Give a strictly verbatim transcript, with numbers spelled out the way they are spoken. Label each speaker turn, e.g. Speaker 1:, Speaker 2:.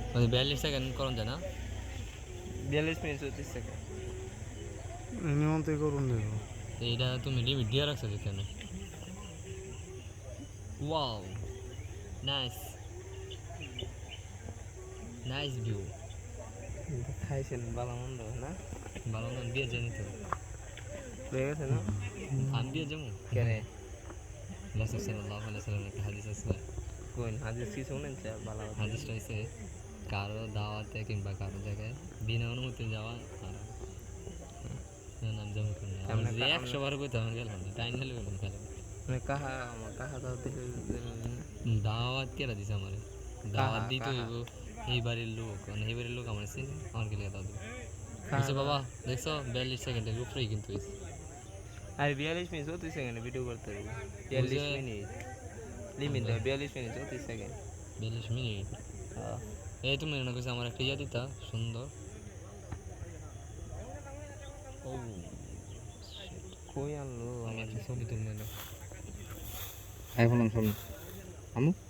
Speaker 1: মানে বিয়াল্লিশ সেকেন্ড করুন যায় না?
Speaker 2: বিয়াল্লিশ মিনিট চৌত্রিশ সেকেন্ড।
Speaker 3: নিয়মতে করুন দেখো।
Speaker 1: এইটা তুমি লিমিট দিয়ে রাখছো যেখানে। Wow, nice nice view.
Speaker 2: খাইছেন ভালো মন্দ না?
Speaker 1: ভালো না দিয়ে জানি তো
Speaker 2: হয়ে গেছে না?
Speaker 1: আমি দিয়ে যাবো।
Speaker 2: কেনে
Speaker 1: রাসূল সাল্লাল্লাহু আলাইহি ওয়াসাল্লামের একটা হাদিস আছে।
Speaker 2: কোন হাদিস কি শুনেন চা ভালো কথা।
Speaker 1: হাদিসটা হচ্ছে কারো দাওয়াতে কিংবা কারো জায়গায় বিনা অনুমতি যাওয়া হারাম। নাম যেমন করে না আমার
Speaker 2: আমরা
Speaker 1: যে
Speaker 2: কা-
Speaker 1: একশো
Speaker 2: আমরা
Speaker 1: বার কইতে আমার গেলাম না টাইম হলে গেলাম খেলাম।
Speaker 2: মানে কাহা কাহা দাও দিলে
Speaker 1: দাওয়াত কেরা দিছে আমার দাওয়াত
Speaker 2: কাহা
Speaker 1: দিতে
Speaker 2: কাহা
Speaker 1: হইব এই বাড়ির লোক মানে এই বাড়ির লোক আমার চিনি আমার গেলে দাও দিবে।
Speaker 2: কাহা
Speaker 1: বুঝছো
Speaker 2: দাও।
Speaker 1: বাবা, দেখছো বিয়াল্লিশ সেকেন্ডের উপরেই কিন্তু হয়েছে।
Speaker 2: আর বিয়াল্লিশ মিনিট চৌত্রিশ সেকেন্ডে ভিডিও করতে হবে। বিয়াল্লিশ
Speaker 1: বুঝে
Speaker 2: মিনিট লিমিট দেয় বিয়াল্লিশ মিনিট চৌত্রিশ সেকেন্ড।
Speaker 1: বিয়াল্লিশ মিনিট।
Speaker 2: হ্যাঁ
Speaker 1: এই তুমি মনে করছো আমার একটা ইয়া দিতা সুন্দর। ও
Speaker 2: কই আনলো
Speaker 1: আমি
Speaker 2: আমার
Speaker 1: একটা ছবি তুলবে না।
Speaker 3: আইফোন সামনে আমু